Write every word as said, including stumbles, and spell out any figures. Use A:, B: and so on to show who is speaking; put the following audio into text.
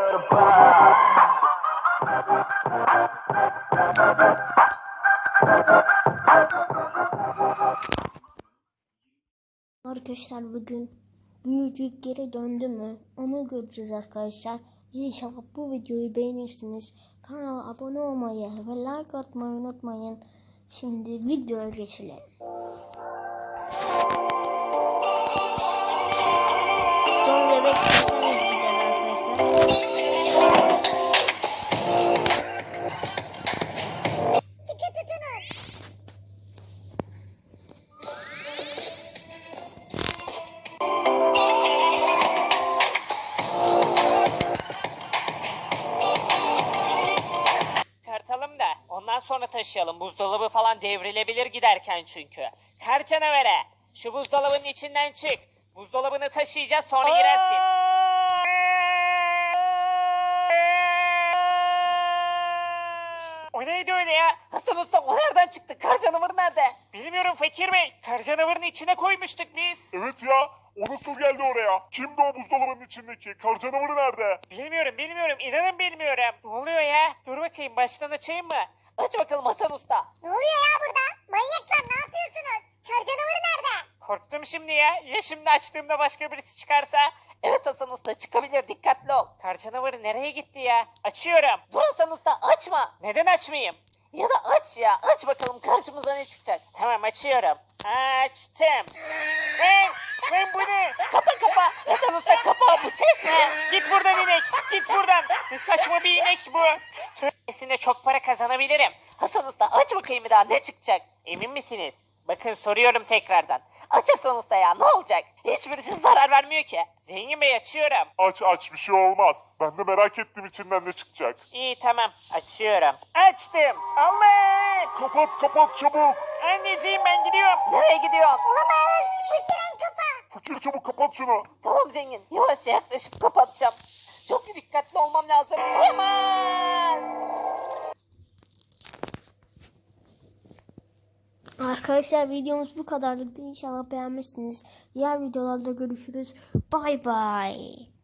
A: Arkadaşlar bugün büyücük geri döndü mü? Onu göreceğiz arkadaşlar. İnşallah bu videoyu beğenirsiniz. Kanala abone olmayı ve like atmayı unutmayın. Şimdi videoya geçelim. Son bebek izleyeceğiz arkadaşlar.
B: Çıkartalım da ondan sonra taşıyalım. Buzdolabı falan devrilebilir giderken çünkü. Kar canavere, şu buzdolabının içinden çık. Buzdolabını taşıyacağız, sonra girersin. O neydi öyle ya? Hasan Usta, o nereden çıktı? Kar canavarı nerede? Bilmiyorum Fakir Bey. Kar canavarını içine koymuştuk biz.
C: Evet ya, o nasıl geldi oraya? Kimdi o buzdolabının içindeki? Kar canavarı nerede?
B: Bilmiyorum bilmiyorum, inanın bilmiyorum. Ne oluyor ya? Dur bakayım, baştan açayım mı? Aç bakalım Hasan Usta.
D: Ne oluyor ya burada? Manyaklar ne yapıyorsunuz? Kar canavarı nerede?
B: Korktum şimdi ya. Ya şimdi açtığımda başka birisi çıkarsa? Evet Hasan Usta, çıkabilir, dikkatli ol. Kar canavarı nereye gitti ya? Açıyorum. Dur Hasan Usta, açma. Neden açmayayım? Ya da aç ya. Aç bakalım karşımıza ne çıkacak. Tamam, açıyorum. Açtım. Lan, lan bu ne? Kapa kapa. Hasan Usta kapa, bu ses ne? Git buradan inek. Git buradan. Ne saçma bir inek bu. Söylemesinde çok para kazanabilirim. Hasan Usta aç bakayım bir daha, ne çıkacak? Emin misiniz? Bakın soruyorum tekrardan. Aç Hasan Usta ya, ne olacak? Hiçbirisi zarar vermiyor ki. Zengin Bey, açıyorum.
C: Aç aç, bir şey olmaz. Ben de merak ettim içinden ne çıkacak.
B: İyi tamam, açıyorum. Açtım. Allah!
C: Kapat kapat çabuk.
B: Anneciğim ben gidiyorum. Nereye gidiyorum?
D: Olamaz. Bu tren kapağı.
C: Fakir çabuk kapat şunu.
B: Tamam zengin, yavaşça yaklaşıp kapatacağım. Çok dikkatli olmam lazım. Olamaz!
A: Arkadaşlar videomuz bu kadarlıktı. İnşallah beğenmişsiniz. Diğer videolarda görüşürüz. Bay bay.